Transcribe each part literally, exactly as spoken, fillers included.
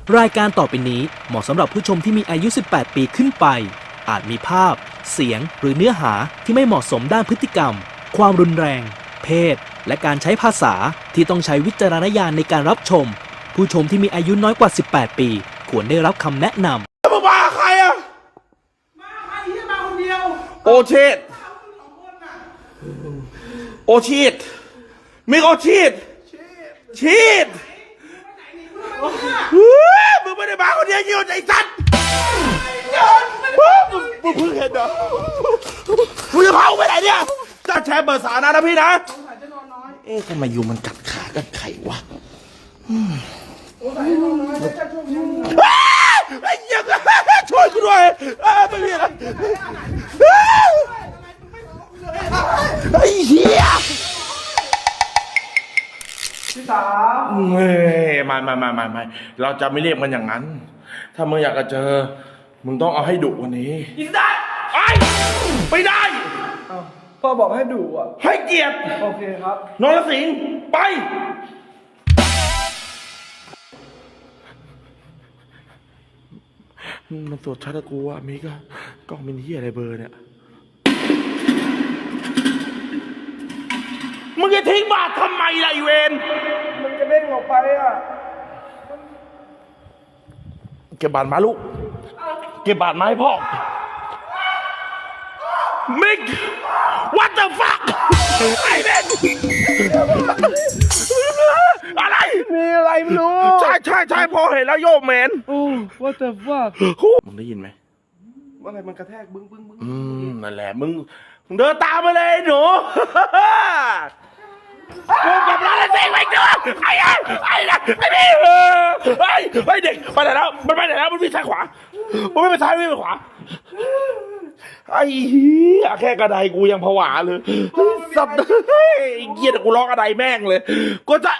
รายการต่อไปนี้เหมาะสำหรับผู้ชมที่มีอายุ สิบแปด ปีขึ้นไป อาจมีภาพ เสียง หรือเนื้อหาที่ไม่เหมาะสมด้านพฤติกรรม ความรุนแรง เพศ และการใช้ภาษาที่ต้องใช้วิจารณญาณในการรับชม ผู้ชมที่มีอายุน้อยกว่า สิบแปด ปี ควรได้รับคำแนะนำมึงมาใครอะมาใครที่มาคนเดียวโอเชตโอชีดมิกโอชีดชีดมึงไม่ได้มาคนเดียวยี่ห้อใจสัตว์มึงมึงเพิ่งเห็นเหรอมึงจะพาไปไหนเนี่ยจะแชร์เบอร์สานะนะพี่นะเอ๊ะทำไมยูมันกัดขากัดไข่วะไอ้ยังช่วยกูด้วยไม่มีอะไรไอ้เหี้ยพี่สาวเฮ้ยไม่ไม่ไม่ไม่ไม่เราจะไม่เรียกมันอย่างนั้นถ้ามึงอยากจะเจอมึงต้องเอาให้ดุกว่านี้กินได้ไอ้ไม่ได้พ่อบอกให้ดุอ่ะให้เกียรติโอเคครับนรสิงห์ไปมันตรวจชัดกูว่ามีก็กล้องมินิอะไรเบอร์เนี่ยมึงจะทิ้งบาททำไมล่ะไอเวนมันจะเด้งออกไปอ่ะเก็บบาทมาลูกเก็บบาทมาให้พ่อมิก what the fuck ไอ้เวนอะไรมีอะไรไม่รู้ใช่ใช่ใช่พอเห็นแล้วโยกแมนโอ้ what the fuck มึงได้ยินไหมอะไรมันกระแทกบึ้งบึ้งบึ้งอืมนั่นแหละมึงมึงเดินตามมาเลยหนูกูกับร้านเซ็งไปเจอไอ้ไอ้ไอ้ไอ้พี่ไอ้ไอ้เด็กไปไหนแล้วมันไปไหนแล้วมันวิ่งซ้ายขวามันไม่ไปซ้ายวิ่งไปขวาไอ้เหี้ยแค่กระไดกูยังผวาเลยสัตว์เฮ้ยเกียดกูร้องกระไดแม่งเลยกูจะ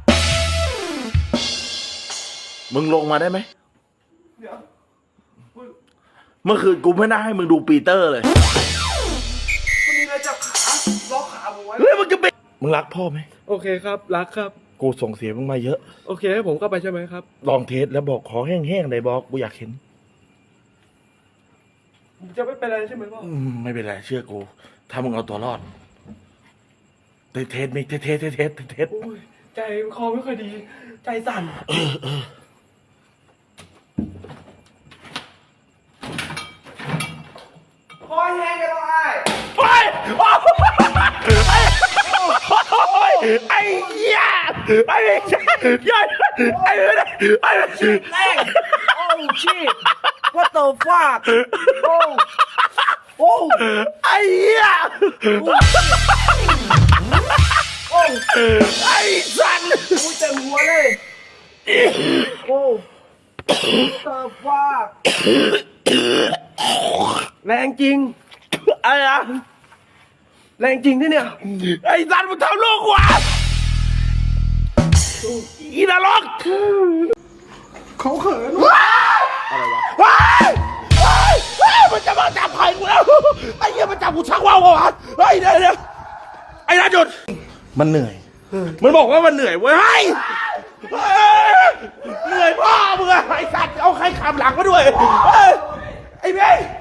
มึงลงมาได้ไหมเดี๋ยวเมื่อคืนกูไม่น่าให้มึงดูปีเตอร์เลยมันมีอะไรจับขาล็อกขาผมไว้เฮ้ยมึงจะเป็นมึงรักพ่อไหมโอเคครับรักครับกูส่งเสียมึงมาเยอะโอเคให้ผมเข้าไปใช่ไหมครับลองเทสแล้วบอกขอแห้งๆเลยบอกกูอยากเห็นจะไม่เป็นไรใช่ไหมพ่ออืมไม่เป็นไรเชื่อกูถ้ามึงเอาตัวรอดเทสเทสมิกเทสเทสเทสเทสเทสใจคอไม่ค่อยดีใจสั่นเออเออคอแห้งกันแล้วไอ้ไปไอ้เหี้ยไอ้ยัยไอ้ไอ้ชิดแรงโอ้ชิด what the fuck โอ้โอ้ไอ้เหี้ยโอ้ไอ้สันกูเต็มหัวเลยโอ้ the fuck แรงจริงอะไรอะแรงจริงที่เนี่ยไอ้สันมึงทำลูกวะอีนรกเขาเขินอะไรวะว้ายว้ายว้ายมันจะมาจับไข่กูแล้วไอ้เหี้ยมันจับกูชักว่าววะเฮ้ยเดี๋ยวเดี๋ยวไอ้ราจุดมันเหนื่อยมันบอกว่ามันเหนื่อยเว้ยเหนื่อยพ่อมึงอะไอ้สัตว์เอาใครขับหลังมาด้วยไอ้เบ้